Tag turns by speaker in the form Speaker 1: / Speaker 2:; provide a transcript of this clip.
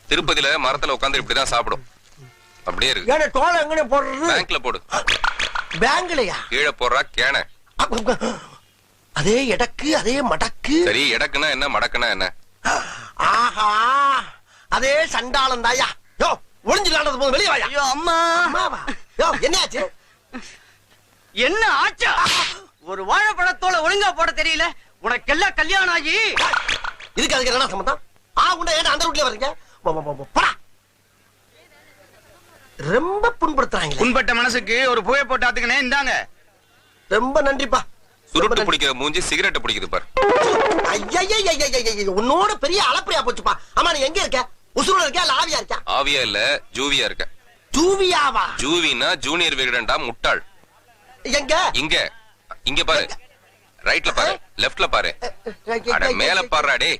Speaker 1: திருப்பதியில மரத்துல உட்கார்ந்து இப்படிதான் சாப்பிடும். அப்படியே இருக்கு.
Speaker 2: ஏன்னா தோலை எங்கனே போடுறது?
Speaker 1: பேங்க்ல போடு.
Speaker 2: பேங்க்லயா?
Speaker 1: கீழே போடுறா கேன.
Speaker 2: அதே எடக்கு அதே மடக்கு.
Speaker 1: சரி, எடக்குனா என்ன மடக்குனா என்ன?
Speaker 2: ஆஹா, அதே சண்டாளம் தாயா. யோ ஒளிஞ்சுலாண்டது போது வெளியே வாயா.
Speaker 3: ஐயோ அம்மா.
Speaker 2: அம்மாவா? யோ என்னாச்சு?
Speaker 3: என்ன ஆச்சா? ஒரு வாழைப்பழத்தோல ஒழுங்கா போட தெரியல. உனக்கெல்லாம் கல்யாணம் ஆகி
Speaker 2: இதுக்கு அதுக்கு என்ன சம்பந்தம்? உண்டா ஏன் அந்த ரூட்லயே வர்றீங்க? போடா. ரொம்ப புண்படுத்துறாங்க.
Speaker 4: புண்பட்ட மனசுக்கு ஒரு புகை போட்டு ஆத்துக்கனே இந்தாங்க.
Speaker 2: ரொம்ப நன்றிப்பா.
Speaker 1: சுருட்டு பிடிக்கிற மூஞ்சி சிகரெட் பிடிக்குது பாரு.
Speaker 2: உன்னோட பெரிய அளப்பரியா போச்சுப்பா. அம்மா நீ எங்க இருக்க? உசுரோட இருக்க இல்ல ஆவியா இருக்க?
Speaker 1: ஆவியா இல்ல ஜூவியா இருக்க.
Speaker 2: ஜூவியாவா?
Speaker 1: ஜூவினா ஜூனியர் விகடன்டா முட்டாள்.
Speaker 2: எங்க?
Speaker 1: இங்க இங்க பாரு. ரைட்ல பாரு, லெஃப்ட்ல பாரு. அட மேல பாருடா டேய்.